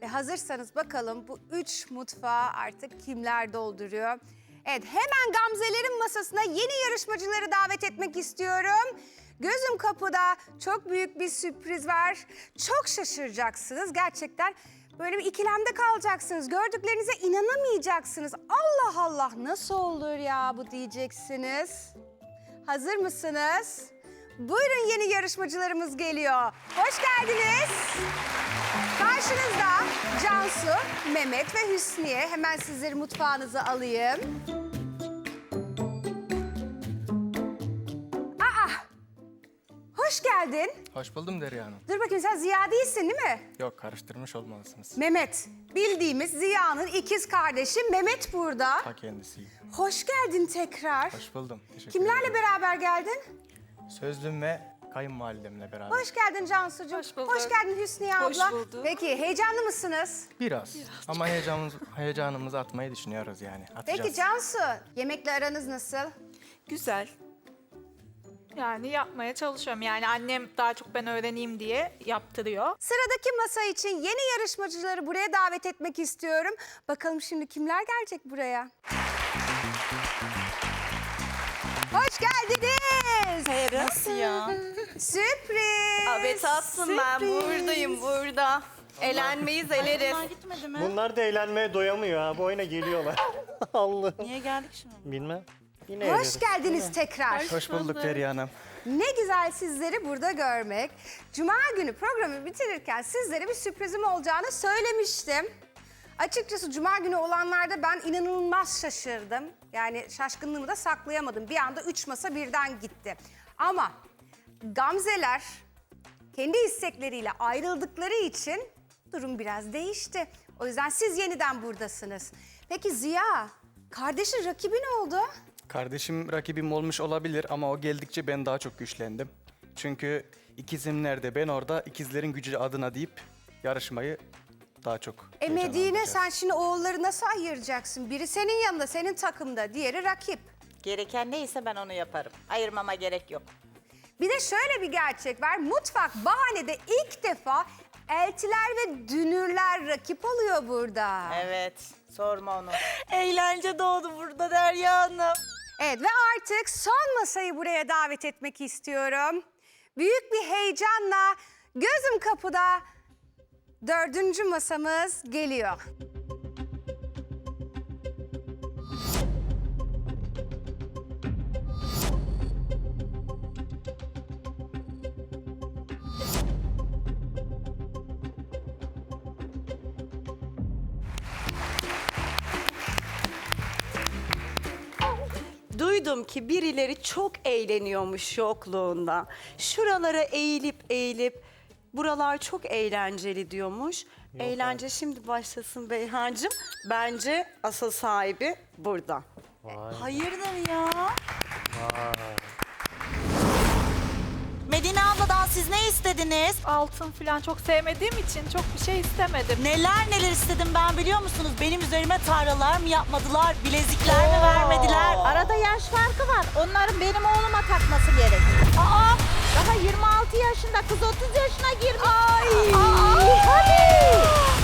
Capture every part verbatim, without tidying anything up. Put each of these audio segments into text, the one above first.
Ve hazırsanız bakalım bu üç mutfağı artık kimler dolduruyor? Evet, hemen Gamze'lerin masasına yeni yarışmacıları davet etmek istiyorum. Gözüm kapıda çok büyük bir sürpriz var. Çok şaşıracaksınız gerçekten. Böyle bir ikilemde kalacaksınız. Gördüklerinize inanamayacaksınız. Allah Allah, nasıl olur ya bu diyeceksiniz. Hazır mısınız? Buyurun, yeni yarışmacılarımız geliyor. Hoş geldiniz. Karşınızda Cansu, Mehmet ve Hüsniye. Hemen sizleri mutfağınıza alayım. Aa! Hoş geldin. Hoş buldum Derya Hanım. Dur bakayım, sen Ziya değilsin değil mi? Yok, karıştırmış olmalısınız. Mehmet. Bildiğimiz Ziya'nın ikiz kardeşi Mehmet burada. Ta kendisiyim. Hoş geldin tekrar. Hoş buldum. Teşekkür Kimlerle ederim. beraber geldin? Sözlüm ve kayınvalidemle beraber. Hoş geldin Cansucuğum. Hoş bulduk. Hoş geldin Hüsniye Hoş abla. bulduk. Peki, heyecanlı mısınız? Biraz. Ama heyecanımız, heyecanımızı atmayı düşünüyoruz yani. Atacağız. Peki Cansu, yemekle aranız nasıl? Güzel. Yani yapmaya çalışıyorum. Yani annem daha çok ben öğreneyim diye yaptırıyor. Sıradaki masa için yeni yarışmacıları buraya davet etmek istiyorum. Bakalım şimdi kimler gelecek buraya? Hoş geldiniz. Nasıl ya? Sürpriz. Abi tatlım, ben buradayım burada. Eğlenmeyiz, eleriz. Bunlar gitmedi mi? Bunlar da eğlenmeye doyamıyor ha. Bu oyuna geliyorlar. Allah. Niye geldik şimdi? Bilmem. Yine Hoş eğleniriz. geldiniz tekrar. Hoş bulduk Derya Hanım. Ne güzel sizleri burada görmek. Cuma günü programı bitirirken sizlere bir sürprizim olacağını söylemiştim. Açıkçası Cuma günü olanlarda ben inanılmaz şaşırdım. Yani şaşkınlığımı da saklayamadım. Bir anda üç masa birden gitti. Ama Gamzeler kendi istekleriyle ayrıldıkları için durum biraz değişti. O yüzden siz yeniden buradasınız. Peki Ziya, kardeşin rakibi ne oldu? Kardeşim rakibim olmuş olabilir ama o geldikçe ben daha çok güçlendim. Çünkü ikizim nerede, ben orada, ikizlerin gücü adına deyip yarışmayı daha çok E Medine, heyecanlandıracağız. sen şimdi oğulları nasıl ayıracaksın? Biri senin yanında, senin takımda, diğeri rakip. Gereken neyse ben onu yaparım. Ayırmama gerek yok. Bir de şöyle bir gerçek var. Mutfak Bahane'de ilk defa eltiler ve dünürler rakip oluyor burada. Evet, sorma onu. Eğlence doğdu burada Derya Hanım. Evet, ve artık son masayı buraya davet etmek istiyorum. Büyük bir heyecanla gözüm kapıda dördüncü masamız geliyor. Duydum ki birileri çok eğleniyormuş yokluğunda. Şuralara eğilip eğilip buralar çok eğlenceli diyormuş. Eğlence şimdi başlasın Beyhancığım. Bence asıl sahibi burada. Hayırdır ya? Medine abladan siz ne istediniz? Altın falan çok sevmediğim için çok bir şey istemedim. Neler neler istedim ben biliyor musunuz? Benim üzerime tarlalar mı yapmadılar, bilezikler mi vermediler? Arada yaş farkı var. Onların benim oğluma takması gerek. Aa! Daha yirmi altı yaşında, kız otuz yaşına girmiş. Ay! Aa, hadi!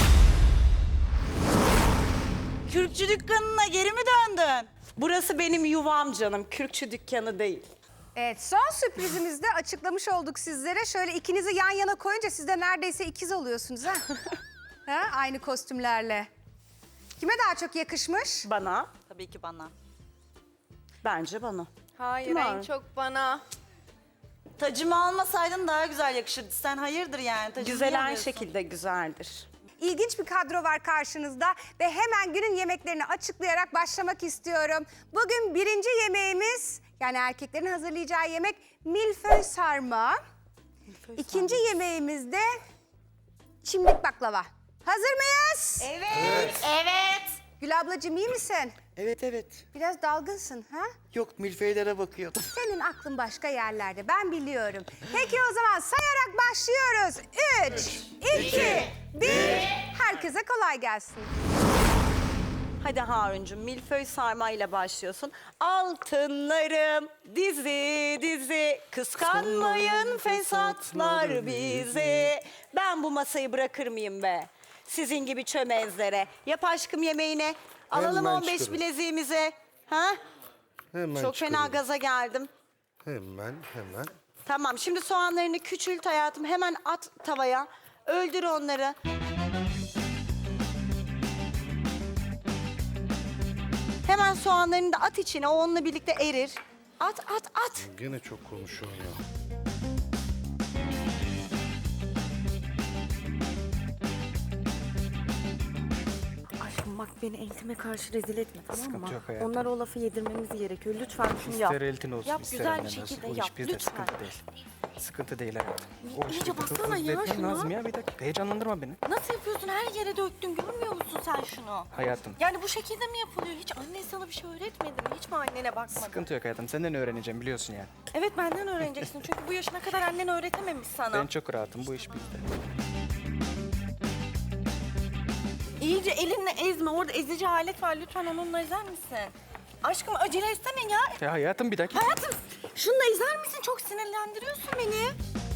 Kürkçü dükkanına geri mi döndün? Burası benim yuvam canım, kürkçü dükkanı değil. Evet, son sürprizimizde açıklamış olduk sizlere. Şöyle ikinizi yan yana koyunca siz de neredeyse ikiz oluyorsunuz ha? Ha? Aynı kostümlerle. Kime daha çok yakışmış? Bana, Tabii ki bana. bence bana. Hayır, Değil mi en abi? çok bana. Tacımı almasaydın daha güzel yakışırdı. Sen hayırdır yani? Tacımı Güzel niye aynı alıyorsun? şekilde güzeldir. İlginç bir kadro var karşınızda ve hemen günün yemeklerini açıklayarak başlamak istiyorum. Bugün birinci yemeğimiz, yani erkeklerin hazırlayacağı yemek milföy sarma. İkinci yemeğimiz de çimdik baklava. Hazır mıyız? Evet. Evet. Gül ablacığım, iyi misin? Evet evet. Biraz dalgınsın ha? Yok, milfeylere bakıyordum. Senin aklın başka yerlerde, ben biliyorum. Peki o zaman sayarak başlıyoruz. Üç, iki, bir. Herkese kolay gelsin. Hadi Haruncuğum, milföy sarmayla başlıyorsun. Altınlarım dizi dizi, kıskanmayın fesatlar bizi. Ben bu masayı bırakır mıyım be? sizin gibi çömezlere. Yap aşkım yemeğine. Alalım Hemen on beş çıkarırım. bileziğimize. Ha? Hemen Çok fena çıkarıyorum. gaza geldim. Hemen hemen. Tamam şimdi soğanlarını küçült hayatım. Hemen at tavaya. Öldür onları. Hemen soğanlarını da at içine. O onunla birlikte erir. At at at. Gene çok konuşuyorsun ya. Aşkım bak beni eltime karşı rezil etme tamam mı? Sıkıntı yok hayatım. Onlara o lafı yedirmemiz gerekiyor. Lütfen şunu yap. İster eltin olsun, Yap, ister güzel bir annen olsun. şekilde O yap, iş bizde, lütfen. sıkıntı değil. Sıkıntı değil hayatım. O iyice işi bir tur baksana ya izletmem şuna. lazım ya bir dakika. Heyecanlandırma beni. Nasıl yapıyorsun? Her yere döktün. Görmüyor musun sen şunu? Hayatım. Yani bu şekilde mi yapılıyor? Hiç annen sana bir şey öğretmedi mi? Hiç mi annene bakmadın? Sıkıntı yok hayatım. Senden öğreneceğim biliyorsun yani. Evet benden öğreneceksin. Çünkü bu yaşına kadar annen öğretememiş sana. Ben çok rahatım. Bu iş bizde. İyice elinle ezme. Orada ezici alet var. Lütfen onunla ezer misin? Aşkım acele etsene ya. Ya hayatım bir dakika. Hayatım şununla ezer misin? Çok sinirlendiriyorsun beni.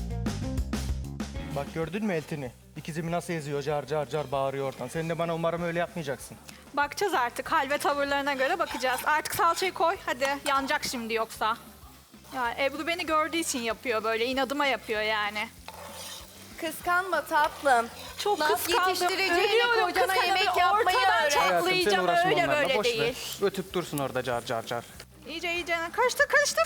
Bak gördün mü eltini? İkizimi nasıl eziyor, car car car bağırıyor oradan. Sen de bana umarım öyle yapmayacaksın. Bakacağız artık. Hal ve tavırlarına göre bakacağız. Artık salçayı koy. Hadi yanacak şimdi yoksa. Ya Ebru beni gördüğü için yapıyor böyle. İnadıma yapıyor yani. Kıskanma tatlım. Çok Laf kıskandım. yetiştireceğine Ölüyorum, kocana kıskandım. yemek yapmayı Ortadan öğren. Hayatım sen çatlayacağım. uğraşma Öyle onlarla. böyle Boş değil. ver. Ötüp dursun orada car car car. İyice iyice. Karıştır karıştır.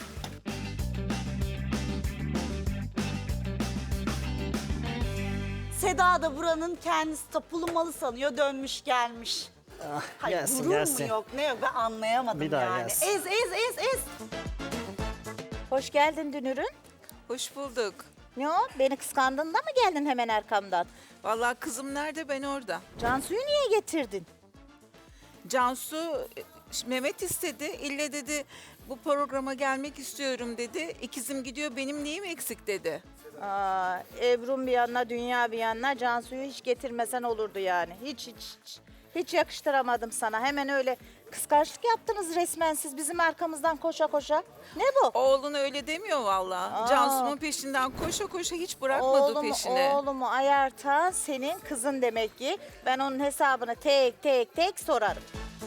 Seda da buranın kendisi tapulu malı sanıyor, dönmüş gelmiş. Hayır, gelsin, gurur gelsin. mu yok, ne yok ben anlayamadım Bir daha yani. gelsin. Ez, ez, ez, ez. Hoş geldin Dünür'ün. Hoş bulduk. Ne o? Beni kıskandın da mı geldin hemen arkamdan? Vallahi kızım nerede ben orada. Cansu'yu niye getirdin? Cansu e, Mehmet istedi. İlle dedi bu programa gelmek istiyorum dedi. İkizim gidiyor benim neyim eksik dedi. Aa, Ebru'm bir yanına, Dünya bir yanına. Cansu'yu hiç getirmesen olurdu yani. Hiç hiç hiç. Hiç yakıştıramadım sana. Hemen öyle kıskançlık yaptınız resmen siz bizim arkamızdan koşa koşa. Ne bu? Oğlun öyle demiyor vallahi. Aa. Cansu'nun peşinden koşa koşa hiç bırakmadı Oğlumu, peşini. oğlumu ayartan senin kızın demek ki. Ben onun hesabını tek tek tek sorarım.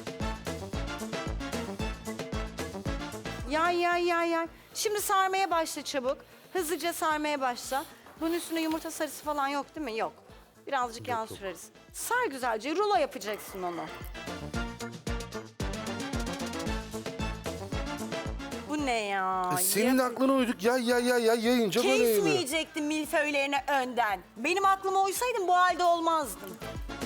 Yay yay yay yay. Şimdi sarmaya başla çabuk. Hızlıca sarmaya başla. Bunun üstüne yumurta sarısı falan yok değil mi? Yok. Birazcık yağ süreriz. Sar güzelce. Rulo yapacaksın onu. Bu ne ya? E, senin aklına uyduk ya ya ya ya yayınca böyle yayılıyor. Kesmeyecektin milföylerine önden. Benim aklıma uysaydın bu halde olmazdın.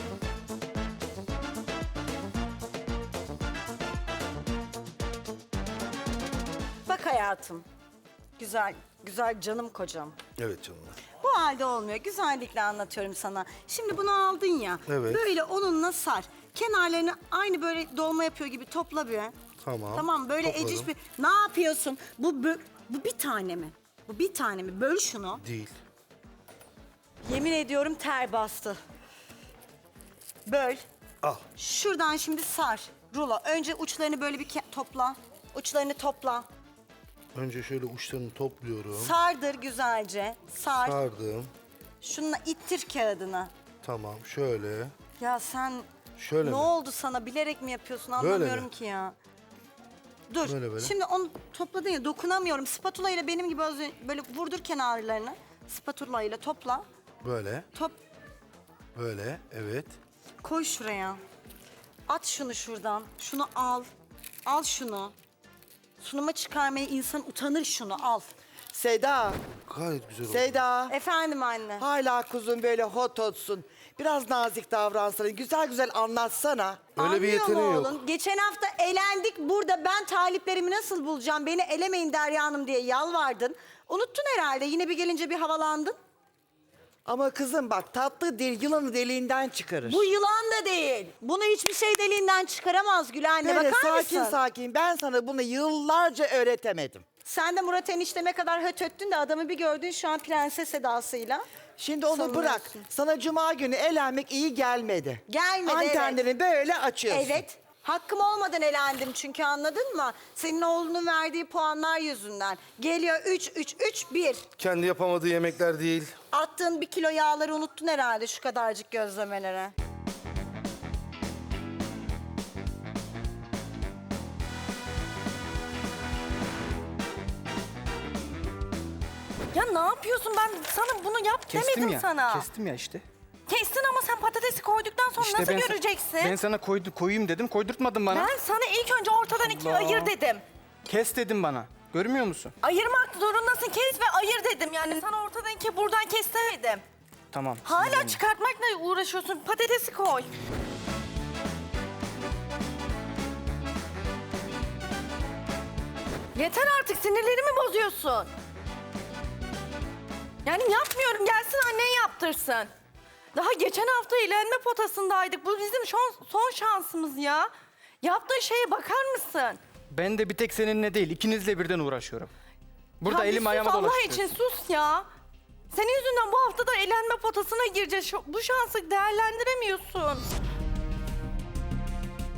Bak hayatım. Güzel, güzel canım kocam. Evet canım. Bu halde olmuyor. Güzellikle anlatıyorum sana. Şimdi bunu aldın ya. Evet. Böyle onunla sar. Kenarlarını aynı böyle dolma yapıyor gibi topla bir. Tamam. Tamam böyle topladım. eciş bir. Ne yapıyorsun? Bu bö- bu bir tane mi? Bu bir tane mi? Böl şunu. Değil. Yemin ediyorum ter bastı. Böl. Al. Şuradan şimdi sar. Rulo. Önce uçlarını böyle bir ke- topla. Uçlarını topla. Önce şöyle uçlarını topluyorum. Sardır güzelce. Sar. Sardım. Şununla ittir kağıdını. Tamam şöyle. Ya sen Şöyle ne mi? oldu sana? Bilerek mi yapıyorsun? Böyle Anlamıyorum mi? ki ya. Dur. Böyle, böyle. Şimdi onu topladın ya dokunamıyorum. Spatula ile benim gibi az önce böyle vurdur kenarlarını. Spatula ile topla. Böyle. Top Böyle. Evet. koy şuraya. At şunu şuradan. Şunu al. Al şunu. Sunuma çıkarmaya insan utanır şunu al. Seda, Gayet güzel oldu. Seda. Efendim anne. Hala kuzum böyle hot hotsun. Biraz nazik davransana, güzel güzel anlatsana. Öyle bir Anlıyor yeteneği mu yok. oğlum? Geçen hafta elendik. Burada ben taliplerimi nasıl bulacağım? Beni elemeyin Derya Hanım diye yalvardın. Unuttun herhalde. Yine bir gelince bir havalandın. Ama kızım bak tatlı dil yılanı deliğinden çıkarır. Bu yılan da değil. Bunu hiçbir şey deliğinden çıkaramaz Gül anne. Böyle Bakar sakin mısın? sakin ben sana bunu yıllarca öğretemedim. Sen de Murat enişteme kadar hötöttün de adamı bir gördün şu an prenses edasıyla. Şimdi onu Sanıyorsun. bırak. Sana cuma günü eğlenmek iyi gelmedi. Gelmedi, Antenlerini böyle açıyorsun. Evet. Hakkım olmadan elendim çünkü, anladın mı? Senin oğlunun verdiği puanlar yüzünden. Geliyor üç, üç, üç, bir. Kendi yapamadığı yemekler değil. Attığın bir kilo yağları unuttun herhalde şu kadarcık gözlemelere. Ya ne yapıyorsun? Ben sana bunu yap Kestim demedim ya. sana. Kestim ya işte. Kestin ama sen patatesi koyduktan sonra İşte nasıl ben, göreceksin? Ben sana koydu, koyayım dedim, koydurtmadın bana. Ben sana ilk önce ortadan ikiye Allah. ayır dedim. Kes dedim bana. Görmüyor musun? Ayırmak zorundasın, kes ve ayır dedim. Yani sana ortadan ikiye buradan kes demedim. Tamam. Hala sinirlenme. çıkartmakla uğraşıyorsun. Patatesi koy. Yeter artık, sinirlerimi bozuyorsun. Yani yapmıyorum, gelsin annen yaptırsın. Daha geçen hafta eğlenme potasındaydık. Bu bizim son, son şansımız ya. Yaptığın şeye bakar mısın? Ben de bir tek seninle değil, ikinizle birden uğraşıyorum. Burada Ya bir elim sus ayağıma Allah dolaştırıyorsun. için sus ya. Senin yüzünden bu hafta da eğlenme potasına gireceğiz. Şu- Bu şansı değerlendiremiyorsun.